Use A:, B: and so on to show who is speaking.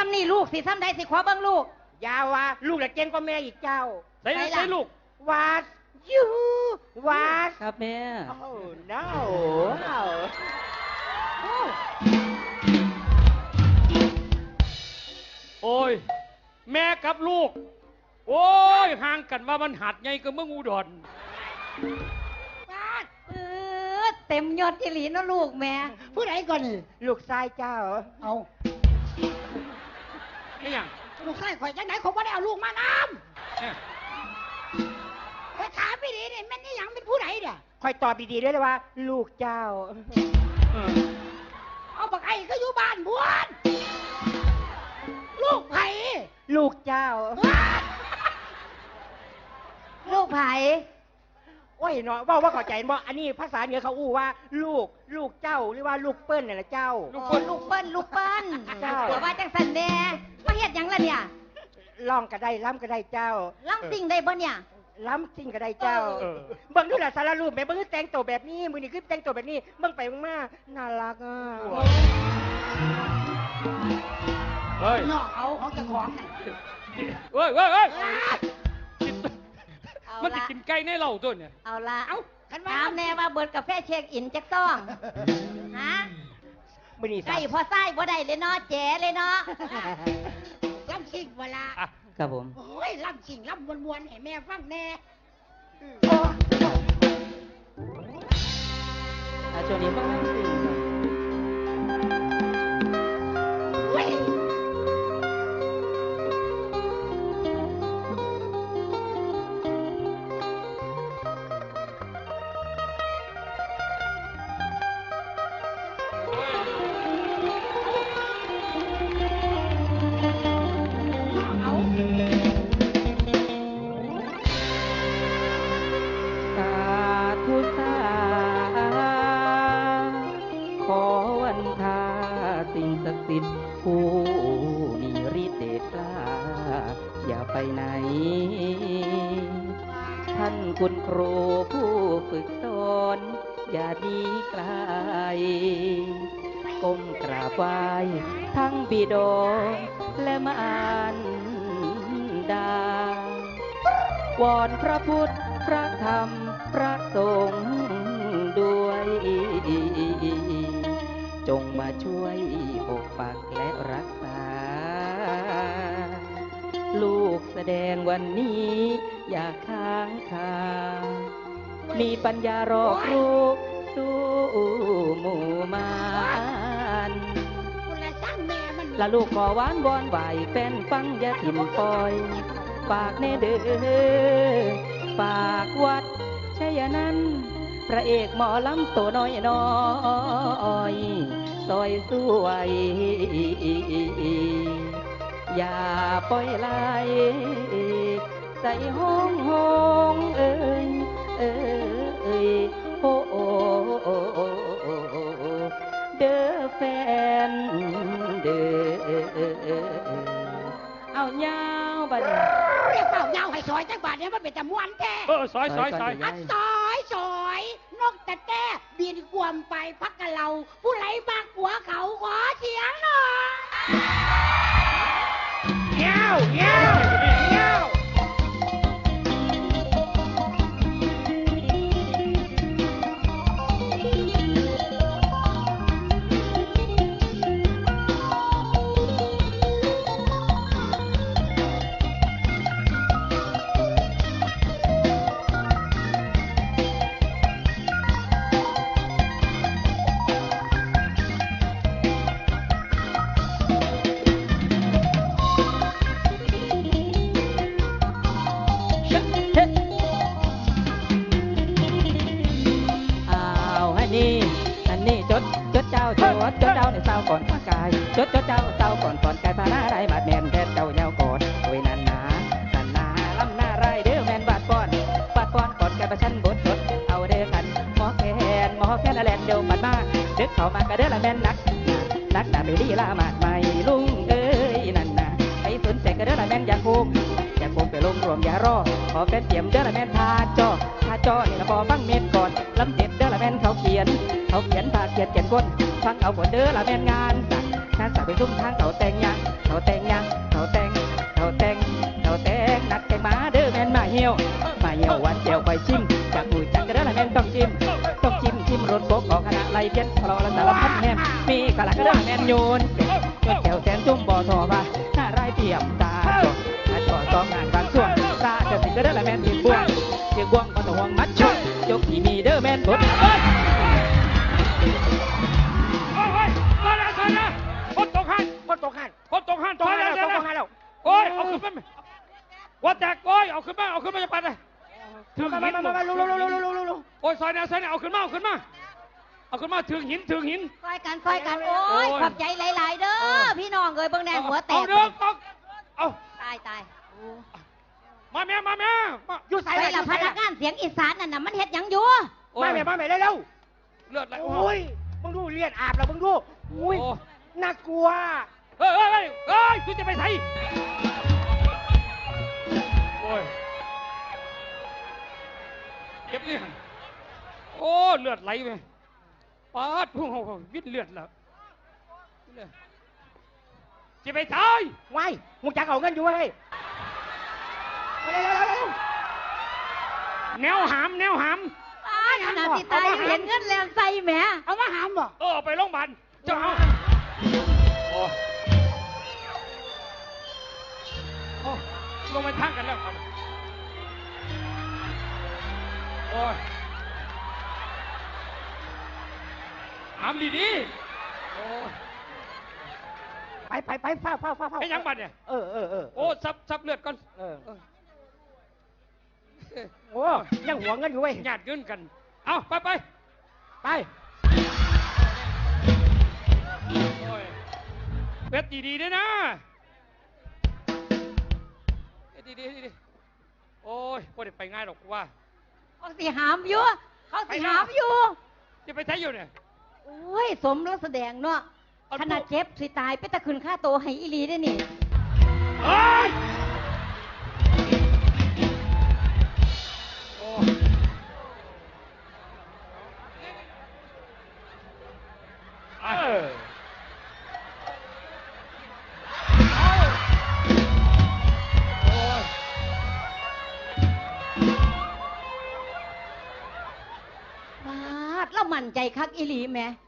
A: ำนี่ลูกสิซ้ำใดสิขอเบิ่งลูก
B: ยาวว่าลูกละเจนก็แม่อีกเจ้า
C: ใส่ลูก
B: วาดยูวาด
D: ครับแม่
B: โอ้ no
C: โอ้ยแม่กับลูกโอ้ยห่างกันว่ามันหัดไงก็เมืองอุดร
A: เต็มยอดอีหลีเนาะลูกแม่
B: ผู้ใดก่อนลูกชายเจ้า
A: เอา
C: ไม่ยัง
B: ลูกชายข่อยจังไหนเขาไม่ได้เอาลูกมานำข่อยถามไม่ดีเนี่ยแม่นี่ยังเป็นผู้ใดเนี่ยข่อยตอบดีๆด้วยเลยว่าลูกเจ้าเอาบักไอ้ก็อยู่บ้านบวนลูกไผ่ลูกเจ้า
A: ลูกไผ่
B: โอ้ยเนาะว่าเข้าใจบ่อันนี้ภาษาเหนือเขาอู้ว่าลูกเจ้าหรือว่าลูกเปิ้ลน่ะนะเจ้า
A: ลูกเปิ้ลเจ้าว่าจังสันแน่มาเฮ็ดหยังล่ะเนี่ย
B: ร้องก็ได้ล้ำก็ได้เจ้า
A: ล้ำสิ่งได้บ่เนี่ย
B: ล้ำสิ่งก็ได้เจ้าเบิ่งดูล่ะสารรูปแม่เบิ่งแต่งตัวแบบนี้มื้อนี้คือแต่งตัวแบบนี้เบิ่งไปเบิ่งมาน่ารักอ่ะ
C: เฮ้ย
B: น้องเอาของเจ้าของ
C: เฮ้ยมันจะกินไก่ในเหล้าตัวเนี่ย
A: เอาละถามแน่ว่าเบิร์ดกาแฟเช็คอินจักต้องฮะไก่พอไส้บ่ได้เลยเนาะแจ๋เลยเนาะ
B: ล่ำชิงเวลา
D: ครับผม
B: โอ้ยล่ำชิงล่ำมวนๆให้แม่ฟังแน่
D: ช่วงนี้ฟังล่ำซิ่งผู้มีฤทธิ์เดชกล้าอย่าไปไหนท่านคุณครูผู้ฝึกสอนอย่าดีไกลก้มกราบไหว้ทั้งบิดาและมารดาวอนพระพุทธพระธรรมพระสงฆ์ด้วยจงมาช่วยปกปักและรักษาลูกแสดงวันนี้อย่าค้างคามีปัญญารอบรู้สู้หมู่มารละลูกขอหวานวอนไหวแฟนฟังอย่าถิ่มปล่อยฝากแน่เด้อฝากวัดชัยนันท์พระเอกหมอลำตัวน้อยน้อยซอยสวยอย่าปล่อยไหลใส่ห้องเอ้ยโอ้เด้อแฟนเด้อเอายาวบัด
B: เรียกเป่ายาวให้ซอยจังบาดเนี่ยมันเป็นแต่ม้วนแท้
C: ซอย
B: ซอยนกแต่แต้บินกวมไปพักกับเราผู้ไหลมากหัวเขาขอเสียงหน่อยเงี้ยว
D: จดเจ้าในเศร้าก่อนพากายจดเจ้าเศร้าก่อนกายพาหน้าไรบาดแมนแทนเจ้าเยาวก่อนโอ้ยนันนาลำหน้าไรเด้อแมนบาดก่อนก่อนกายประชันบดเอาเด้อกันหมอแคนละแลนเดียวมันมาเด็กเข้ามากระเด้อละแมนนักดาไปดีละหมาดใหม่ลุงเอ้ยนันนาไปสนใจกระเด้อละแมนอยากภูมิไปลงรวมอย่ารอขอเป็นเตรียมเด้อละแมนทาจอนี่ละบอฟังเม็ดก่อนลำเด็ดเด้อละแมนเขาเขียนผ่าเขียนก้นฟังเอาผลเด้อละแมนงานงานสาวไปซุ่มทางเขาแต่งยังเขาแต่งยังเขาแต่งเขาแต่งเขาแต่งนัดแกงมาเด้อแม่นมาเหี่ยวหวานแก้วไปชิมจากปุ๋ยจากกระเด้อละแม่นต้องจิ้มชิมรสบกออกคณะไรเพี้ยนพลอละสารพัดแม่มมีกะละกระเด้อแม่นโยนแก้วแสนจุ่มบ่อทอว่าหน้าไรเปี่ยมตาจอดต้องงานบางช่วงตาจะสิกระเด้อละแม่นที่บ่วงเกี่ยวบ่วงก็ต้องห่วงมัดช่วยยกที่มีเด้อแม่นบด
C: โอ้ยมาแล้วคนตกหัน
E: คนตกหัน
C: คนตกหัน
E: ตกหันแล้ว
C: เดี๋
E: ต
C: ยว
E: กหันแล้ว
C: โอ้ยเอาขึ้นมาว่าแตกโอ้ยเอาขึ้นมาจะปัดเลยถึงหิน
E: มาลุ
C: โอ้ยซอยแนวเอาขึ้นมาถึงหิน
A: ซอยกันโอ้ยขอบใจหลายๆเด้อพี่น้องเอ้ยเบิ่งแน่หัวแต
C: เอา
A: ก
C: เด้อตกเอา
A: ตาย
C: มาแม่มา
E: อยู่ใส่
A: ไป
E: ไหน
A: ละพนักงานเสียงอีสานนั่นน่ะมันเฮ็ดหยังอยู่
E: มาแม่เร็ว
C: เลือดไหล
E: โอ้ยมึงดูเลียดอาบแล้วมึงดูอุ้ยน่ากลัว
C: เฮ้ยคุณจะไปไหนโอ้ยเก็บนี่โอ้เลือดไหลไปปาดพุ่งวิดเลือดแล้วจะไปตาย
E: ไว้มึงจะเอาเงินอยู่ให้เร็ว
C: แนวหาม
A: ตายขนาดที่ตายยังเห็นเงินแลนใส่แหม
E: เอามาหามบ่
C: เอาไปโรงพยาบาลเจ้าเอาโอ้ลงไปทางกันแล้วครับโอ้ยหามดีๆโอ้ย
E: ไปเฝ้า
C: ไอ้ยังบัดเนี่ย
E: เออ
C: โอ้ซับเลือดก่อน
E: โอ้ยังหัวเงินอยู่เว้ย
C: ญาติเงินกัน เอาไป
E: ไป
C: โอ้ยเป็ดดีๆด้วยนะเป็ดดีๆโอ้ยพอได้ไปง่ายหรอกกูว่า
A: เขาสิหามอยู่
C: จะไปใช้อยู่เนี่ย
A: โอ้ยสมแล้วแสดงเนาะขนาดเจ็บสิตายไปตะคืนค่าโตให้อีหลีได้นี่
C: เฮ้ยโอ้
A: บาดแล้วมั่นใจคักอีหลีแหม